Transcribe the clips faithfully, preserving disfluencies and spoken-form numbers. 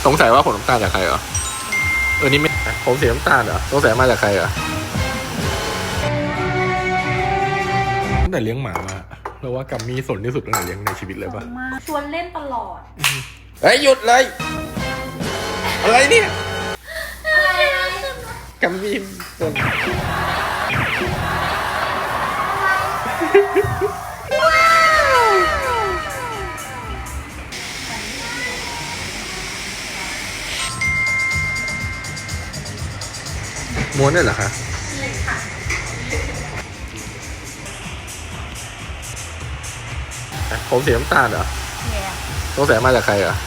สงสัยว่าผมน้ำตาลจากใครเหรอเออนี่ไม่ผมเสียน้ำตาลเหรอสงสัยมาจากใครเหรอตั้งแต่เลี้ยงหมามาเราว่ากัมมี่สนที่สุดตั้งแต่เลี้ยงในชีวิตเลยปะชวนเล่นตลอดเฮ้ยหยุดเลยอะไรเนี่ยกัมมี่สนม้วนได้เหรอคะผมสีน้ำตาลเหรอสงสัยมาจากใครเหรอ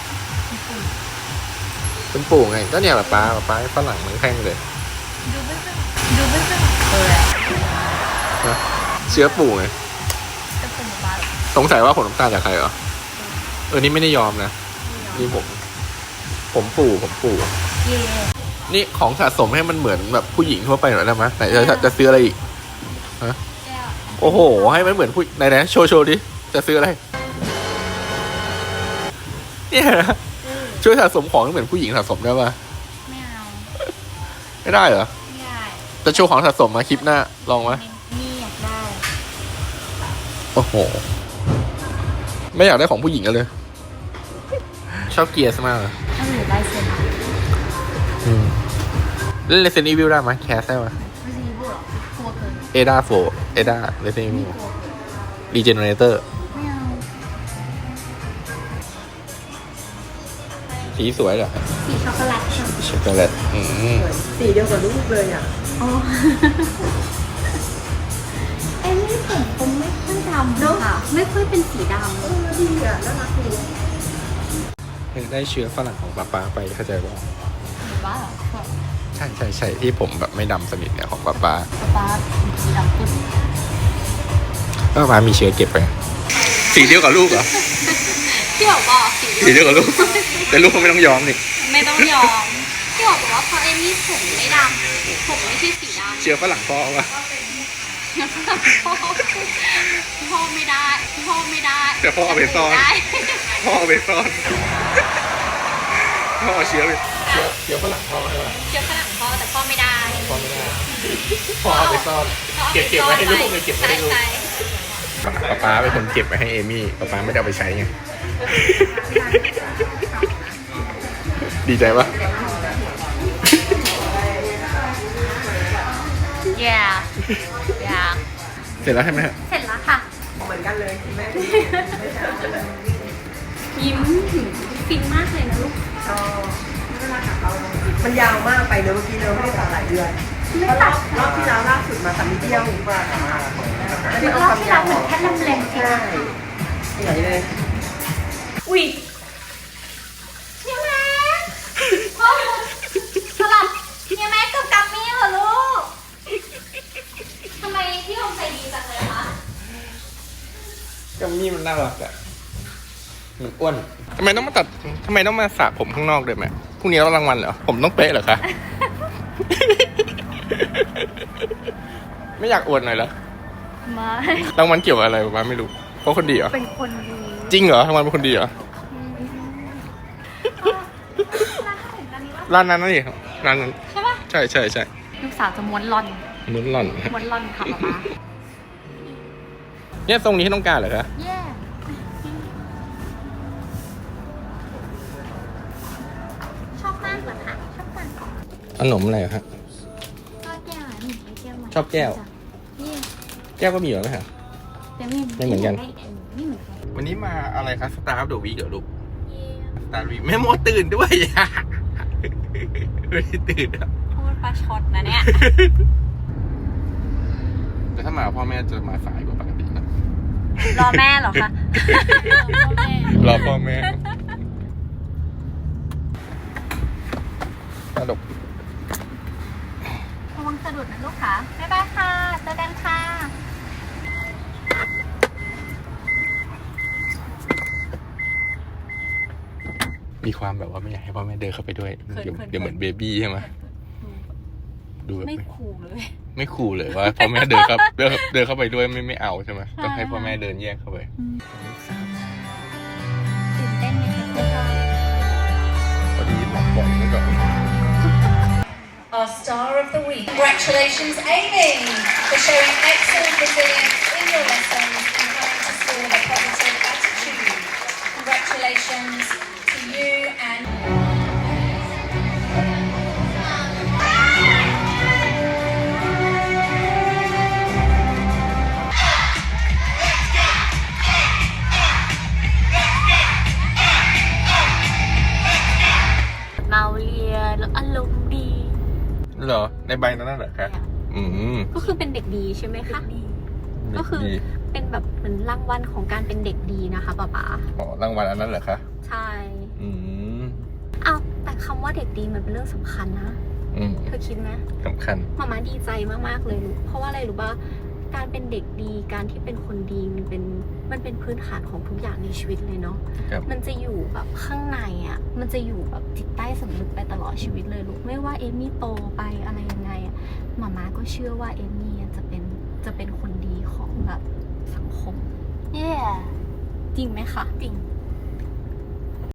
คุณปู่ไงก็เนี่ยแบบป้าแบบป้าฝรั่งเหมือนแข้งเลยดูไม่เป็นดูไม่เป็นเลยอะเชื้อปู่ไงจะเป็นบ้าสงสัยว่าผมน้ำตาลจากใครเหรอเออนี่ไม่ได้ยอมนะนี่ผมผมปู่ผมปู่นี่ของสะสมให้มันเหมือนแบบผู้หญิงทั่วไปหน่อยได้ไหมไหนจะจะซื้ออะไรอีกฮะโอ้โหให้มันเหมือนผู้ไหนไหนโชว์โชว์ดิจะซื้ออะไรเนี่ยนะช่วยสะสมของให้เหมือนผู้หญิงสะสมได้ปะไม่เอาไม่ได้เหรอไม่ได้จะโชว์ของสะสมมาคลิปหน้าลองไหมนี่อยากได้โอ้โหไม่อยากได้ของผู้หญิงกันเลยชอบเกียร์มากเลยถ้าหนูได้เซนอืมเล่น Resident Evil ได้ไหมแคสได้ไหม Resident Evil หรอกลัวเกินเอดาโฟเอดา Resident Evil Regenerator ไม่เอาสีสวยเหรอสีช็อกโกแลตช็อกโกแลตอืมสีเดียวกับลูกเลยอ่ะอ๋อไอ้นี่ผมผมไม่ค่อยดำค่ะไม่ค่อยเป็นสีดำเออดีอ่ะน่ารักดีได้เชื้อฝรั่งของป๊าป๊าไปเข้าใจป่ะบ้าเหรอใช่ใช่ใช่ที่ผมแบบไม่ดำสนิทเนี่ยของป๊าป๊าป๊าสีดำปุ๊บป๊าป๊ามีเชื้อเก็บไปสีเดียวกับลูกเหรอพี่บอกบอกสีเดียวกับลูกแต่ลูกเขาไม่ต้องยอมนี่ไม่ต้องยอมพี่บอกว่าเพราะเอมี่ผมไม่ดำผมไม่ใช่สีดำเชื้อฝรั่งพ่อวะพ่อไม่ได้พ่อไม่ได้แต่พ่อเอาไปซ่อนพ่อเอาไปซ่อนพ่อเอาเชื้อไปเชื้อฝรั่งพ่อใช่ไหมเชื้อฝรั่งพ่อแต่พ่อไม่ได้พ่อไม่ได้พ่อเอาไปซ่อนเก็บเก็บไว้ให้ลูกเลยเก็บไว้ให้ลูกป๊าป๊าเป็นคนเก็บไว้ให้เอมี่ป๊าป๊าไม่ได้เอาไปใช้ไงดีใจปะแย่แย่เสร็จแล้วใช่ไหมฮะเสร็จแล้วค่ะเหมือนกันเลยแม่ยิ้มฟินมากเลยนะลูกก็เวลาตัดเรามันยาวมากไปเนอะเมื่อกี้เราไม่ได้ตัดหลายเดือนเพราะรอบรอบที่แล้วล่าสุดมาตัดนิดเดียวมากคือรอบที่แล้วเหมือนแค่ลำแรงใช่ใหญ่เลยอุ้ยเนี่ยแม่พ่อสลับเนี่ยแม่กับกัมมี่เหรอลูกทำไมพี่ลงใจดีจังเลยคะกัมมี่มันน่ารักอะมันอ้วนทำไมต้องมาตัดทำไมต้องมาสระผมข้างนอกด้วยแม่พรุ่งนี้เรารางวัลเหรอผมต้องเป๊ะเหรอคะ ไม่อยากอวดหน่อยเหรอไม่รางวัลเกี่ยวกับอะไรบ้างไม่รู้เพราะคนดีเหรอเป็นคนดีจริงเหรอรางวัลเป็นคนดีเหรอร้านนั้นนั่นเองร้านนั้นใช่ปะใช่ใช่ใช่ลูกสาวจะม้วนล่อนม้วนล่อนม้วนล่อนค่ะป๊าป๊าเนี่ยทรงนี้ให้ต้องการเหรอคะแย่ชอบมากเหรอคะชอบกันขนมอะไรฮะชอบแก้วอ่ะนี่แก้วชอบแก้วแก้วก็มีเหรอไหมฮะไม่เหมือนกันวันนี้มาอะไรคะสตาร์ฟเดอะวีคเหรอลูกสตาร์วีแม่โมตื่นด้วยอ่ะไม่ได้ตื่นอ่ะพูดปลาช็อตนะเนี่ยแต่ถ้ามาพ่อแม่จะมาสายกว่าปกตินะรอแม่เหรอคะรอพ่อแม่กระดกระวังสะดุดนะลูกค่ะบ๊ายบายค่ะเจอกันค่ะมีความแบบว่าไม่อยากให้พ่อแม่เดินเข้าไปด้วยเดี๋ยวเดี๋ยวเหมือนเบบี้ใช่ไหมดูแบบไม่คูลเลยไม่คูลเลยว่าพ่อแม่เดินเข้าเดินเดินเข้าไปด้วยไม่ไม่เอาใช่ไหมต้องให้พ่อแม่เดินแยกเข้าไปตื่นเต้นไหมคะพอดีเลย our star of the week. Congratulations, Amy, for showing excellent resilience in your lessons and coming to school with a positive attitude. Congratulations to you and... เมาเรียนแล้วอารมณ์ดีเหรอ ในใบนั้นน่ะเหรอคะอืมก็คือเป็นเด็กดีใช่ไหมคะก็คือดีเป็นแบบเหมือนรางวัลของการเป็นเด็กดีนะคะป๊าป๊าอ๋อรางวัลอันนั้นเหรอคะใช่อืมอ้าวแต่คำว่าเด็กดีมันเป็นเรื่องสำคัญนะอืมเธอคิดไหมสำคัญมาม่าดีใจมากๆเลยลูกเพราะว่าอะไรรู้ป่ะการเป็นเด็กดีการที่เป็นคนดีมันเป็นมันเป็นพื้นฐานของทุกอย่างในชีวิตเลยเนาะครับมันจะอยู่แบบข้างในอ่ะมันจะอยู่แบบจิตใต้สำนึกไปตลอดชีวิตเลยลูกไม่ว่าเอมมี่โตไปอะไรยังไงอ่ะมาม่าก็เชื่อว่าเอมมี่จะเป็นจะเป็นคนดีของแบบสังคม Yeah. จริงไหมคะจริง